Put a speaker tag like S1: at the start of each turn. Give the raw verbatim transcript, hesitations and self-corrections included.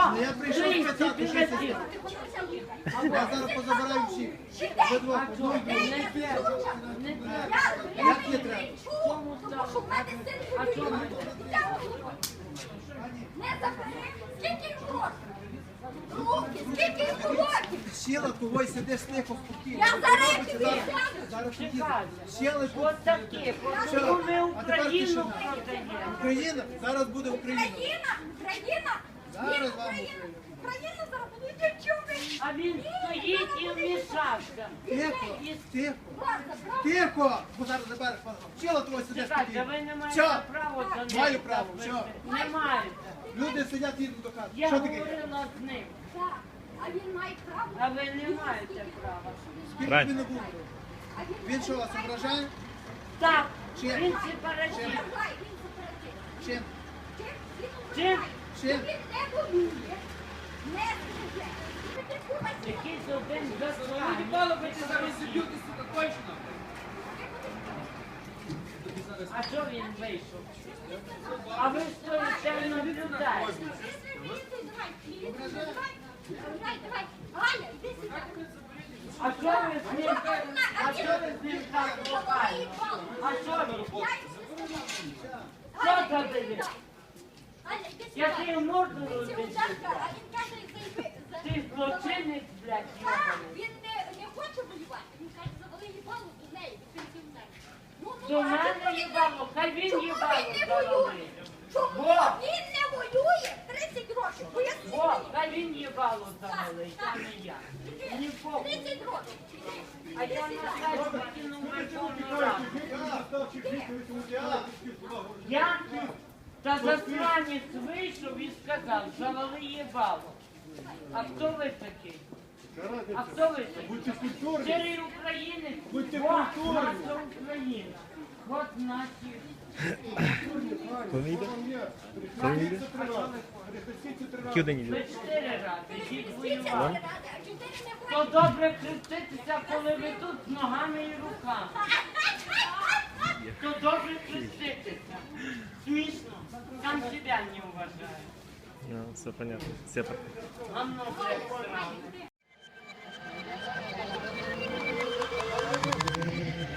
S1: Ну, я прийшов спитати, що це. Я зараз позабираю всіх. Ви двох, одну і другу. Як не треба?
S2: Не забери! Скільки їм років? Руки, скільки їм років?
S1: Сіла, того й сидиш тихо, спокійно.
S2: Я зараз тобі
S1: Зараз,
S2: сяду.
S1: зараз поїду. Сіли тут.
S3: От таке,
S1: Все,
S3: коли ми
S1: а тепер
S3: Україну
S1: тишина.
S3: продаємо.
S1: Україна, зараз буде Україна.
S2: Україна, Україна,
S1: Зараз
S2: Ні,
S1: вам
S2: Україна, Україна зараз буде дівчуни.
S3: А він стоїть і вмішався.
S1: Тихо, тихо,
S2: Правда, правда.
S1: тихо. Бо зараз забереш пана. Сіла, того й сидиш
S3: Чекайте,
S1: спокійно.
S3: ви не маєте
S1: Все,
S3: права за ним.
S1: маю право,
S3: так
S1: все.
S3: вести. Не маєте.
S1: Люди сидять, їдуть до хати.
S3: Я
S1: Що таке?
S3: говорила з ним,
S2: Так. А він має право.
S3: а ви не маєте права.
S1: Скільки
S4: Правильно.
S1: він не був?
S2: А він
S1: Він що, вас ображає?
S3: Так,
S1: Чим?
S3: він сепаратист.
S2: не знає, він суперечить.
S1: Чим?
S2: Чим? Він
S3: Чим?
S2: ображає.
S1: Чим?
S2: Він не воює, не стріляє. Ти підтримайся.
S3: Якийсь один засранець. А що він вийшов? А ви стоїте і наблюдаєте.
S2: Давай, давай. Галя, іди сюди.
S3: А що ви з ним, а що ви з ним так лопаєте? А що ви? Що забили?
S2: Галя, іди сюди.
S3: Я ти морду
S2: Це
S3: розбив.
S2: ударка, а він каже, зайди.
S3: Ти злочинець, блядь,
S2: Так,
S3: йобаний.
S2: він не, не хоче воювати. Він каже, завали їбалу до неї, до пенсіонера. Ну, ну,
S3: До
S2: а
S3: мене
S2: чому він
S3: їбало, хай він
S2: Чому
S3: їбало
S2: він не
S3: завалив.
S2: воює? Чому
S3: Бо.
S2: він не воює? тридцять років. Поясніть
S3: О,
S2: мені.
S3: хай він їбало завалив, а не я. Мені похуй.
S2: тридцять років.
S3: А я на сайт покинув Верховну Раду. Я та засранець вийшов і сказав, завали їбало. А хто ви такий? А хто ви такий? Щирий українець, от наша Україна. От наші.
S4: Коли йде? Коли йде? Які один
S3: Ви
S4: йде?
S3: чотири рази, йдіть
S2: Тридцять
S3: воювати.
S2: ради, а чотири не
S3: То добре хреститися, коли ви тут з ногами і руками. То добре хреститися. Смішно. Сам себя не уважаю.
S4: Ну, все понятно. Все так.
S3: Гамно, блядь, сраное.